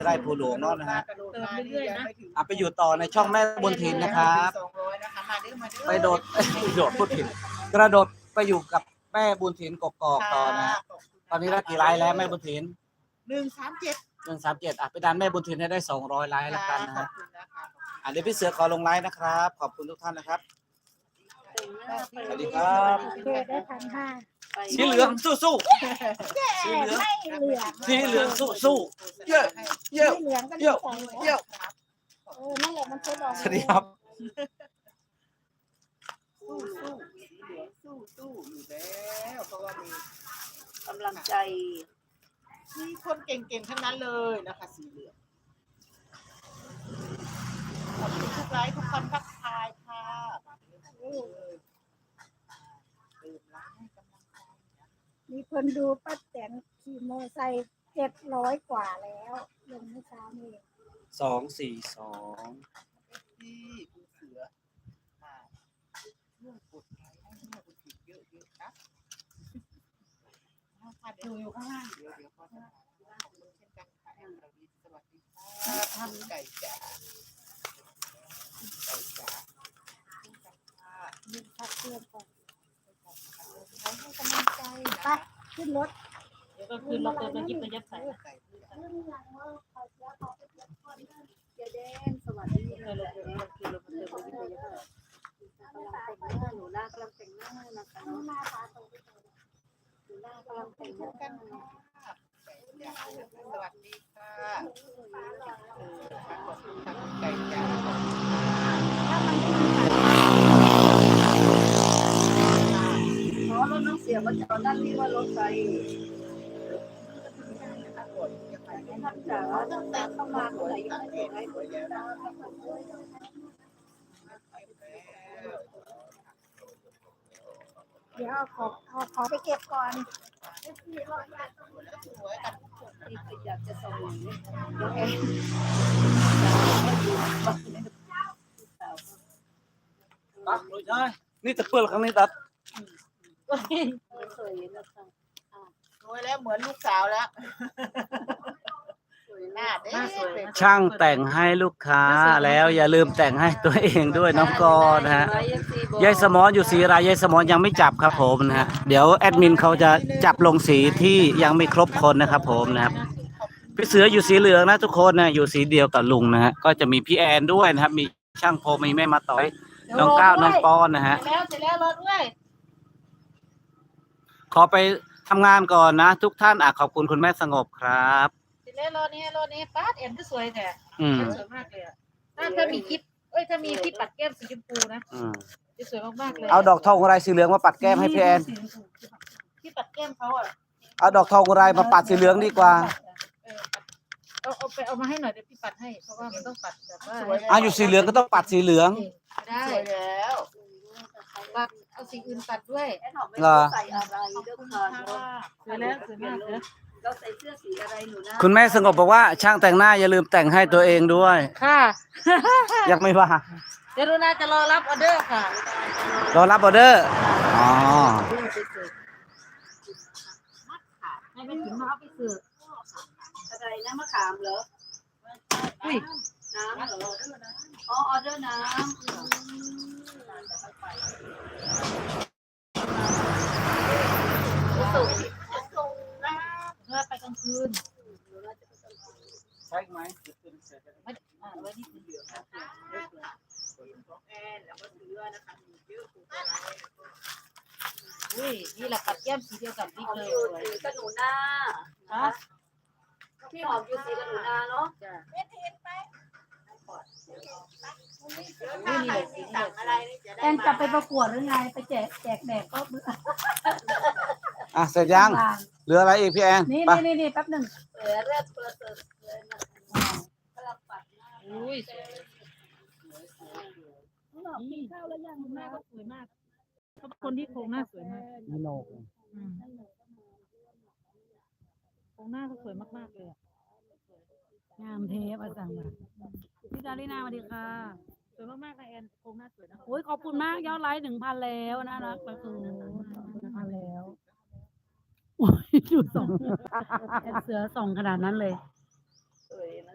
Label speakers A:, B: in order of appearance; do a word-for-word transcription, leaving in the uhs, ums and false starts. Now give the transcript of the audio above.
A: ไร่ภูหลวงเนาะนะฮะ
B: เติมเรื่อยๆนะ
A: อ่ะไปอยู่ต่อในช่องแม่บุญถิ่นนะครับไปโดด โดดพูดผิดกระโดดไปอยู่กับแม่บุญถิ่นกกอกต่อนะฮะตอนนี้ได้กี่ไลค์แล้วแม่บุญถิ่น
B: หนึ่งสามเจ็ด
A: หนึ่งสามเจ็ดอ่ะไปดันแม่บุญถิ่นให้ได้สองร้อยไลค์แล้วกันนะฮะอ่ะเดี๋ยวพี่เสือขอลงไลค์นะครับขอบคุณทุกท่านนะครับสวัสดีครับ
C: เพื่อได้พันห้า
A: สีเหลืองสู้สู้ๆสีเหลือง
C: ไม่เหลือง
A: สีเหลืองสู้สู้ๆเยอะเยอะ
C: ไม่เหลืองก็
A: เยอะ
C: ใส่
A: เยอะ
C: เออนั่นแหละมันใช้ดอก
A: สวัสดีครับ
B: สู้สู้สีเหลืองสู้สู้อยู่แล้วเพราะว่ามี
D: กำลังใจ
B: มีคนเก่งๆทั้งนั้นเลยนะคะสีเหลืองขอบคุณทุกไลค์ทุกคนทักทายค่ะเติมไลค์ให้กำลังใจนะ
C: มีคนดูป้าแตนขี่มอไซค์เจ็ดร้อยกว่าแล้วลงเมื่อเช้านี้
A: สองสี่สอง
B: ที่คุณเสือมาช่วยกดไลค์ให้แม่คุณผิดเยอะๆนะดูอยู่ข้างล่างเดี๋ยวเดี๋ยวขอจะขอบคุณเช่นกันค่ะเราดีสวัสดีค่ะท่านไก่จ๋าไก่จ๋า
C: มีพักเพื่อนก่อน
B: ให้กำลังใจ
C: ไปขึ้นรถ
E: เดี๋ยวก็คือเราเติมน้ำยิบระยับใส่
B: ไก่เพื่อน
C: ขึ้นหลังว่าเขาจะเขาไปเก็บคนเดิน
D: เจเดนสวัสดี
E: เราเราเราคือเราเติมน้ำยิบระยับใส่
D: กำลังแต่งหน้าหนูหน้ากำลังแต่งหน้านะคะ
C: ข้างหน้าตาตรง
D: หนูหน้ากำลังแต่งห
B: ทุ
D: น้าก
B: กันค่ะไก่จ๋าสวัสดีค่ะเออขอบคุณทั้งไก่จ๋าขอบคุณค่ะ
D: อ๋อรถน้องเสียมาจากด้านนี้ว่ารถไฟท่านจ๋าตั้งแต่เข้ามาเมื่อไหร่ยังไม่เห็นไลฟ์
C: เดี๋ยวเอาของเอาของไปเก็บก่อน
D: นี่คืออยากจะส่งน้องแอน
A: ตัดเลยใช่นี่จะเปื้อนครั้งนี้ตัด
D: ไม่เคยเห็นนะคะ
B: สวยแล้วเหมือนลูกสาวแล้วหน้าเด็ก
A: ช่างแต่งให้ลูกค้าแล้วอย่าลืมแต่งให้ตัวเองด้วยน้องกอนะฮะยายสมอนอยู่สีอะไรยายสมอนยังไม่จับครับผมนะฮะเดี๋ยวแอดมินเขาจะจับลงสีที่ยังไม่ครบคนนะครับผมนะครับพี่เสืออยู่สีเหลืองนะทุกคนนะอยู่สีเดียวกับลุงนะฮะก็จะมีพี่แอนด้วยนะครับมีช่างโพมีแม่มาต่อยน้องก้าวน้องปอนนะฮะ
E: เสร็จแล้วเสร็จแล้วรถด้วย
A: ขอไปทำงานก่อนนะ ทุกท่านอ่ะขอบคุณคุณแม่สงบครับ
E: เสร็จแล้วรถนี้รถนี้ป้าเอ็นก็สวยแต่
A: อืม
E: สวยมากเลยอ่ะถ้าถ้ามีคลิปเอ้ยถ้ามีที่ปัดแก้มสีชมพูนะ
A: อืม
E: จะสวยมากๆเลย
A: เอาดอกทองอะไรสีเหลืองมาปัดแก้มให้พี่แอน
E: ที่ปัดแก้มเขาอ่ะ
A: เอาดอกทองอะไรมาปัดสีเหลืองดีกว่า
E: เออเอาเอาไปเอามาให้หน่อยเดี๋ยวพี่ปัดให้เพราะว่ามันต้องปัดแบบว่า
A: อ่ะอยู่สีเหลืองก็ต้องปัดสีเหลือง
E: ได้
B: สวยแล้ว
E: ปัดเอาสีอื่นปัดด้วย
D: แอนหอมไม่รู้ใส่อะไรเด้อค่ะ
E: สวยแล้วสวยมากเลย
D: เราใส่เสื้อสีอะไรหนูนะ
A: คุณแม่สงบบอกว่าช่างแต่งหน้าอย่าลืมแต่งให้ตัวเองด้วย
E: ค่ะ
A: ยังไม่ว่า
E: เดี๋ยวรุนาจะรอรับออเดอร์ค่ะ
A: รอรับออเดอร์อ๋อ
E: ให้ไปถึงมาเอาไปสืบ
D: อะไรนะมะขามเหรอ
E: อุ้ย
D: น้ำเหรออ๋อออเดอร์น้ำสุก
E: เพื่อไปกลางคืน
A: ใช่ไหม
E: ไม่อ่าไว้นี่คือเหลือง
B: แอนแล้วก็เสือนะคะมีเยอะคุณอะไร
E: อุ้ยนี่แหละปัดแก้มสีเดียวกับบิ๊ก
D: หอม
E: เลย
D: อยู่
E: สวย
D: สีกับหนูนา
E: ฮะ
D: พี่หอมอยู่สีกับหนูนาเนาะ
E: จ้ะ
B: นี่นี่เลยสี
E: นี่
B: สั่ง
E: เลย
B: อะไรนี่จะได้
C: แอนจะไปประกวดหรือไงไปแจกแจกแดกก็เบื่อ
A: อ่ะเสร็จยัง
C: วาง
A: เหลืออะไรอีกพี่แอน
C: นี่
A: ไป
C: นี่นี่นี่แป๊บหนึ่ง
D: เออเลือดเปิดเปิดเลยนะกำลังปัดหน้า
E: อุ้ยสวย
C: กินข้าวแล้วยัง
E: หน้าก็สวยมากเขาเป็นคนที่โครงหน้าสวยมาก
A: มีโนก
E: อืมโครงหน้าเขาสวยมากๆเลยอะ
C: งามเทปอาจารย์พี่ดารินาสวัสดีค่ะ
E: สวยมากๆค่ะแอนโครงหน้าสวยนะ
C: โอ้ยขอบคุณมากยอดไลค์หนึ่งพันแล้วน่ารักประตูหนึ่งพันแล้วโอ้ยดูสองเสือส่องขนาดนั้นเลย
D: สวยนะ